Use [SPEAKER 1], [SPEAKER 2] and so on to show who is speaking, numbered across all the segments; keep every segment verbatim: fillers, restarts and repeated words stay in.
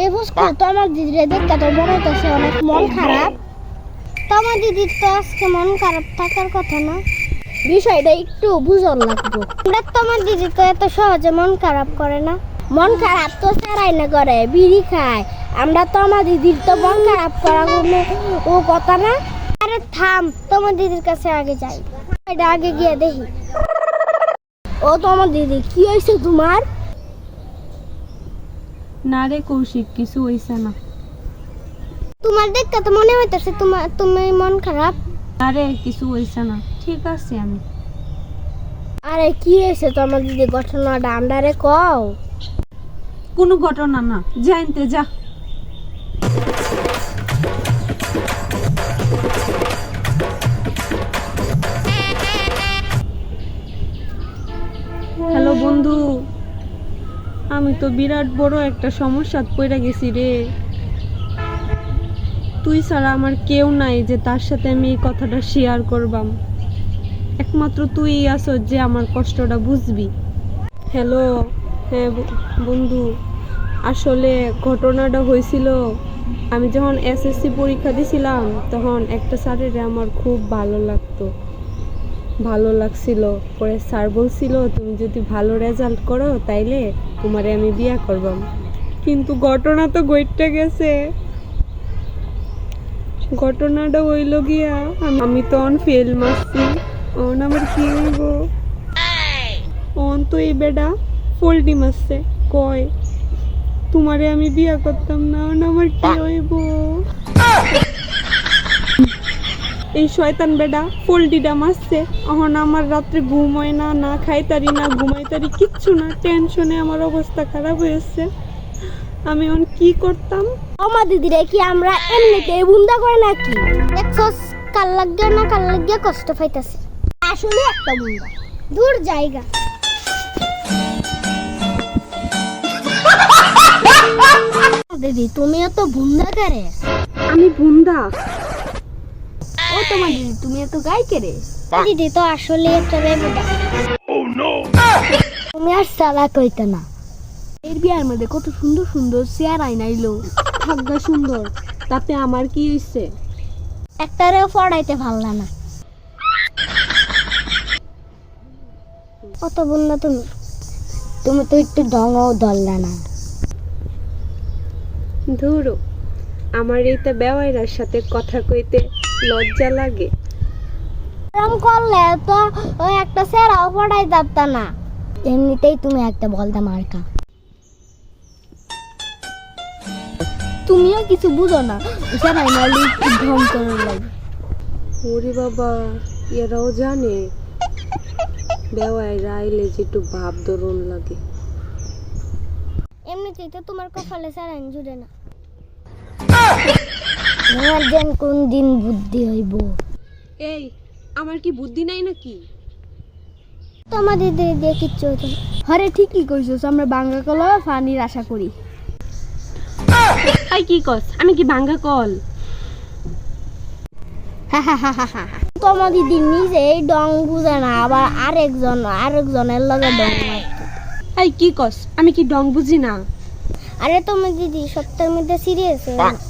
[SPEAKER 1] এই বুঝকো তোমার দিদির দেখতে তো মনে হচ্ছে অনেক মন খারাপ। তোমার দিদির তো আজকে মন খারাপ থাকার কথা না, বিষয়টা একটু বুঝার লাগবে। দেখ তোমার দিদি তো এত সহজে মন খারাপ করে না। মন খারাপ তো সারাই না করে, বিড়ি খায়। আমরা তো আমার দিদির তো মন খারাপ করা কোনো ও কথা না। আরে থাম, তোমার দিদির কাছে আগে যাই, এটা আগে গিয়ে দেখি। ও তোমার দিদি, কি হয়েছে তোমার?
[SPEAKER 2] না রে কৌশিক, কিছু হইছে না।
[SPEAKER 1] তোমার দেখতে তো মনে হইতেছে তোমার তুমি মন খারাপ।
[SPEAKER 2] আরে কিছু হইছে না, ঠিক আছে আমি।
[SPEAKER 1] আরে কি হয়েছে তোমার দিদি, ঘটনাটা আমরারে কও।
[SPEAKER 2] কোনো ঘটনা না, জানতে যা। হ্যালো বন্ধু, আমি তো বিরাট বড় একটা সমস্যাত পড়ে গেছি রে। তুই ছাড়া আমার কেউ নাই যে তার সাথে আমি এই কথাটা শেয়ার করবাম। একমাত্র তুই আছো যে আমার কষ্টটা বুঝবি। হ্যালো, হ্যাঁ বন্ধু, আসলে ঘটনাটা হয়েছিল, আমি যখন এসএসসি পরীক্ষা দিছিলাম তখন একটা স্যারের আমার খুব ভালো লাগতো, ভালো লাগছিল। পরে স্যার বলছিল তুমি যদি ভালো রেজাল্ট করো তাইলে তোমারে আমি বিয়ে করবাম। কিন্তু ঘটনা তো ঘটে গেছে। ঘটনাটা হইল গিয়া আমি তো অন ফেল মারছি। অন আমার কি হইব? অন তো এই বেডা ফোল্টি মারছে, কয় তোমারে আমি বিয়া করতাম না। অন আমার কি হইব? এই শয়তান বেডা ফোল্টিটা মারছে। এখন আমার রাত্রে ঘুম হয় না, না খাইতারি না ঘুমাইতারি কিচ্ছু না, টেনশনে আমার অবস্থা খারাপ হয়েছে। আমি এখন কি করতাম?
[SPEAKER 1] আমার দিদিরে কি আমরা এমনিতে বুন্দা করে নাকি? দেখছস কাল লাগিয়া না কাল লাগিয়া কষ্ট পাইতাছে, আসলে একটা বুন্দা দূর জায়গা। দিদি তুমিও তো বুন্দা করে।
[SPEAKER 2] আমি বুন্দা?
[SPEAKER 1] ও তোমার দিদি, তুমি এত গাই কেরে? দিদি তো আসলে একটা বেবুদা। তুমি আর সালা কইতে না।
[SPEAKER 2] এর বিয়ার মধ্যে কত সুন্দর সুন্দর চেয়ার আইনাইলো, থাকবা সুন্দর, তাতে আমার কি হইছে?
[SPEAKER 1] একটারেও পড়াইতে ভাল্লা না। কত বুন্দা তুমি, তুমি তো একটু ঢঙও ধরলা না।
[SPEAKER 2] ধুরো, আমার এইটা বেওয়াইরার সাথে কথা কইতে লজ্জা লাগে।
[SPEAKER 1] এরকম করলে তো ওই একটা সেরাও পড়াই যাবতা না। এমনিতেই তুমি একটা বলদা মার্কা। তুমিও কিছু বুঝো না, সেরাই নালি ঢং করে লাগে।
[SPEAKER 2] ওরে বাবা, এরাও জানে বেওয়াইরা আইলে যে একটু ভাব ধরন লাগে।
[SPEAKER 1] এমনিতেই তো তোমার কপালে সেরাই জুড়ে না। তোমার যেন কোন দিন বুদ্ধি হইব।
[SPEAKER 2] এই, আমার কি বুদ্ধি নাই নাকি?
[SPEAKER 1] তোমার দিদি দিয়ে কিচ্ছু হতো না।
[SPEAKER 3] আরে ঠিকই কইছস, আমরা বাঙ্গা কলা পানির আশা করি।
[SPEAKER 2] আই কি কস, আমি কি ভাঙ্গা কল?
[SPEAKER 1] তোমার দিদি নিজেই ডং বুঝে না, আবার আরেকজন আরেকজনের লগে ডং মারতো।
[SPEAKER 2] আই কি কস, আমি কি ডং বুঝি না?
[SPEAKER 1] আরে তোমার দিদি সত্যের মধ্যে সিরিয়াস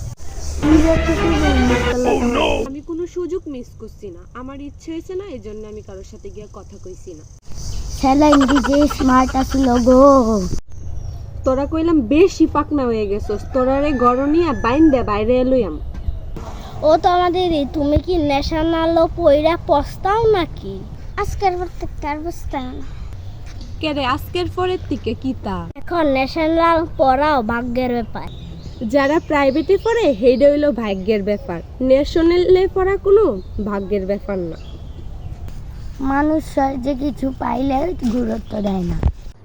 [SPEAKER 2] আমি কোনো সুযোগ মিস করছি না, আমার ইচ্ছে হয়েছে না, এই জন্য আমি কারোর সাথে গিয়ে কথা কইছি না।
[SPEAKER 1] স্যালাইন দিদি স্মার্ট আছিল গো।
[SPEAKER 2] তোরা কইলাম বেশি পাকনা হয়ে গেছস, তোরারে গরনিয়া বাইন দে বাইরে এলুয়াম।
[SPEAKER 1] ও তো আমাদের দিদি, তুমি কি ন্যাশনাল পয়রা পস্তাও নাকি? আজকের প্রত্যেকটার বস্তা
[SPEAKER 2] কে রে, আজকের পরের থেকে কি তা?
[SPEAKER 1] এখন ন্যাশনাল পড়াও ভাগ্যের ব্যাপার।
[SPEAKER 2] যারা প্রাইভেটে পড়ে হেডে হইলো ভাগ্যের ব্যাপার, ন্যাশনালে পড়া কোনো ভাগ্যের ব্যাপার না।
[SPEAKER 1] মানুষ যে কিছু পাইলে গুরুত্ব দেয় না।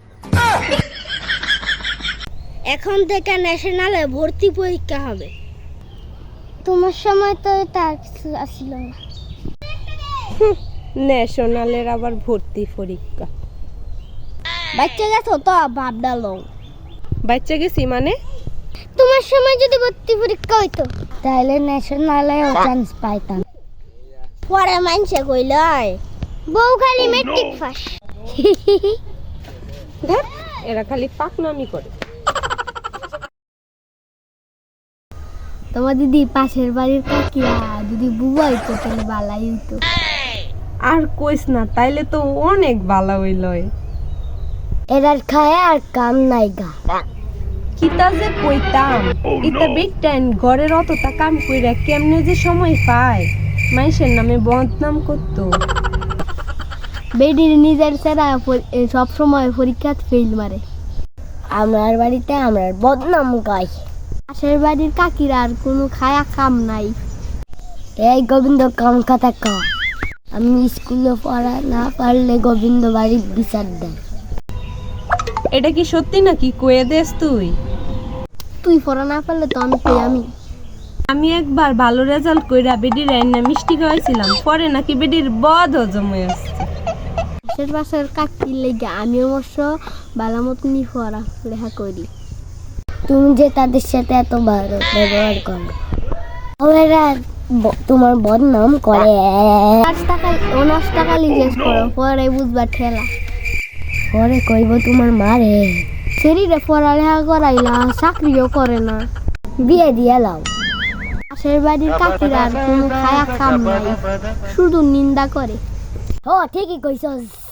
[SPEAKER 1] এখন থেকে ন্যাশনালে ভর্তি পরীক্ষা হবে। তোমার সময় তো তার কিছু আসিল না।
[SPEAKER 2] ন্যাশনালের আবার ভর্তি পরীক্ষা?
[SPEAKER 1] বাচ্চা গেছো তো ভাব ডালো।
[SPEAKER 2] বাচ্চা গেছি মানে?
[SPEAKER 1] তোমার সময় যদি ভর্তি পরীক্ষা হইতো তাহলে ন্যাশনালেও চান্স পাইতাম। পরে মানছে কইলয় বউ খালি মেট্রিক পাস।
[SPEAKER 2] এরা খালি পাকনামি করে।
[SPEAKER 3] তোমার দিদি পাশের বাড়ির কাকিয়া যদি বুবা হইতো তাহলে বালাই হইতো।
[SPEAKER 2] আর কইস না, তাইলে তো অনেক ভালো হইল।
[SPEAKER 1] এরার খায় আর কাম নাই গা।
[SPEAKER 2] কিতা যে কইতাম, ইতা বেটাইন ঘরের অতটা কাম কইরা কেমনে যে সময় পায় মানুষের নামে বদনাম করতো।
[SPEAKER 3] বেডির নিজের সেরা সব সময় পরীক্ষা ফেল মারে।
[SPEAKER 1] আমার বাড়িতে আমার বদনাম গাই।
[SPEAKER 3] পাশের বাড়ির কাকিরা আর কোনো খায়া কাম নাই।
[SPEAKER 1] এই গোবিন্দ কাম কথা ক। আমি স্কুলে পড়া না পারলে গোবিন্দ বাড়ির বিচার দেয়।
[SPEAKER 2] এটা কি সত্যি নাকি কয়ে দেস তুই?
[SPEAKER 3] তুই পড়া না পারলে তো আমি কই আমি।
[SPEAKER 2] আমি একবার ভালো রেজাল্ট কইরা বেডির রান্না মিষ্টি খাওয়াইছিলাম, পরে নাকি বেডির বদ হজম হয়ে আসছে।
[SPEAKER 3] পাশের পাশের কাকির লেগে আমি অবশ্য ভালো মতনই পড়া লেখা করি।
[SPEAKER 1] তুমি যে তাদের সাথে এত ভালো ব্যবহার করো, ওরা ব- তোমার বদনাম করে।
[SPEAKER 3] পাঁচ টাকা অনার্স টাকা লিখেছ করো, পরে বুঝবা ঠেলা।
[SPEAKER 1] পরে কইব তোমার মারে
[SPEAKER 3] শরীরে পড়ালেখা করাইলা, চাকরিও করে না।
[SPEAKER 1] বিয়ে দিয়ে লাও।
[SPEAKER 3] পাশের বাড়ির কাকিরা আর কোনো খায়া কাম নাই, শুধু নিন্দা করে।
[SPEAKER 1] ও ঠিকই কইছস।